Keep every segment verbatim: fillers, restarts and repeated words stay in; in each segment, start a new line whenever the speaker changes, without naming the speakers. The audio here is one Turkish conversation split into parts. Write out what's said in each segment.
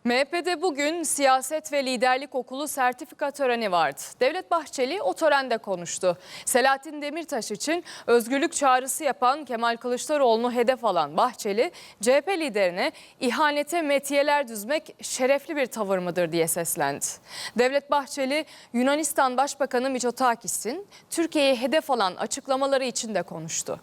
M H P'de bugün Siyaset ve Liderlik Okulu sertifika töreni vardı. Devlet Bahçeli o törende konuştu. Selahattin Demirtaş için özgürlük çağrısı yapan Kemal Kılıçdaroğlu'nu hedef alan Bahçeli, C H P liderine ihanete metiyeler düzmek şerefli bir tavır mıdır diye seslendi. Devlet Bahçeli, Yunanistan Başbakanı Mitsotakis'in Türkiye'yi hedef alan açıklamaları için de konuştu.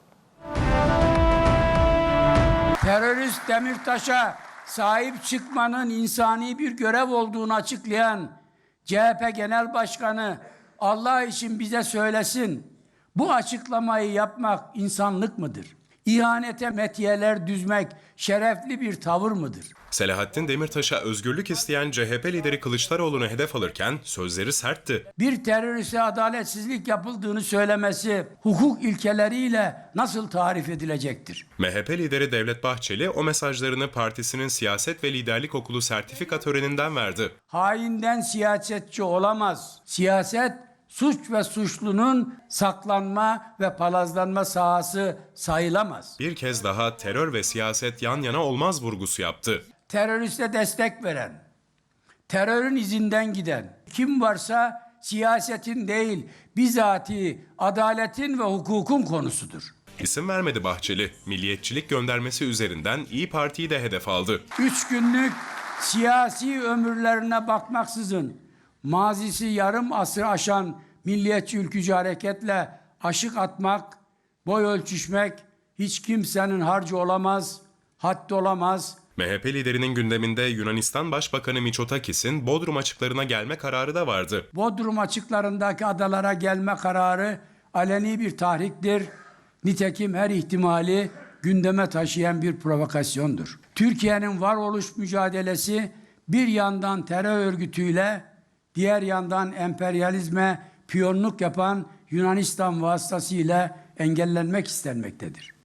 Terörist Demirtaş'a sahip çıkmanın insani bir görev olduğunu açıklayan C H P Genel Başkanı Allah için bize söylesin, bu açıklamayı yapmak insanlık mıdır? İhanete metiyeler düzmek şerefli bir tavır mıdır?
Selahattin Demirtaş'a özgürlük isteyen C H P lideri Kılıçdaroğlu'nu hedef alırken sözleri sertti.
Bir teröriste adaletsizlik yapıldığını söylemesi hukuk ilkeleriyle nasıl tarif edilecektir?
M H P lideri Devlet Bahçeli o mesajlarını partisinin Siyaset ve Liderlik Okulu sertifika töreninden verdi.
Hainden siyasetçi olamaz. Siyaset, suç ve suçlunun saklanma ve palazlanma sahası sayılamaz.
Bir kez daha terör ve siyaset yan yana olmaz vurgusu yaptı.
Teröriste destek veren, terörün izinden giden kim varsa siyasetin değil, bizatihi adaletin ve hukukun konusudur.
İsim vermedi Bahçeli, milliyetçilik göndermesi üzerinden İYİ Parti'yi de hedef aldı.
Üç günlük siyasi ömürlerine bakmaksızın mazisi yarım asır aşan milliyetçi ülkücü hareketle aşık atmak, boy ölçüşmek hiç kimsenin harcı olamaz, haddi olamaz.
M H P liderinin gündeminde Yunanistan Başbakanı Mitsotakis'in Bodrum açıklarına gelme kararı da vardı.
Bodrum açıklarındaki adalara gelme kararı aleni bir tahriktir. Nitekim her ihtimali gündeme taşıyan bir provokasyondur. Türkiye'nin varoluş mücadelesi bir yandan terör örgütüyle, diğer yandan emperyalizme piyonluk yapan Yunanistan vasıtasıyla engellenmek istenmektedir.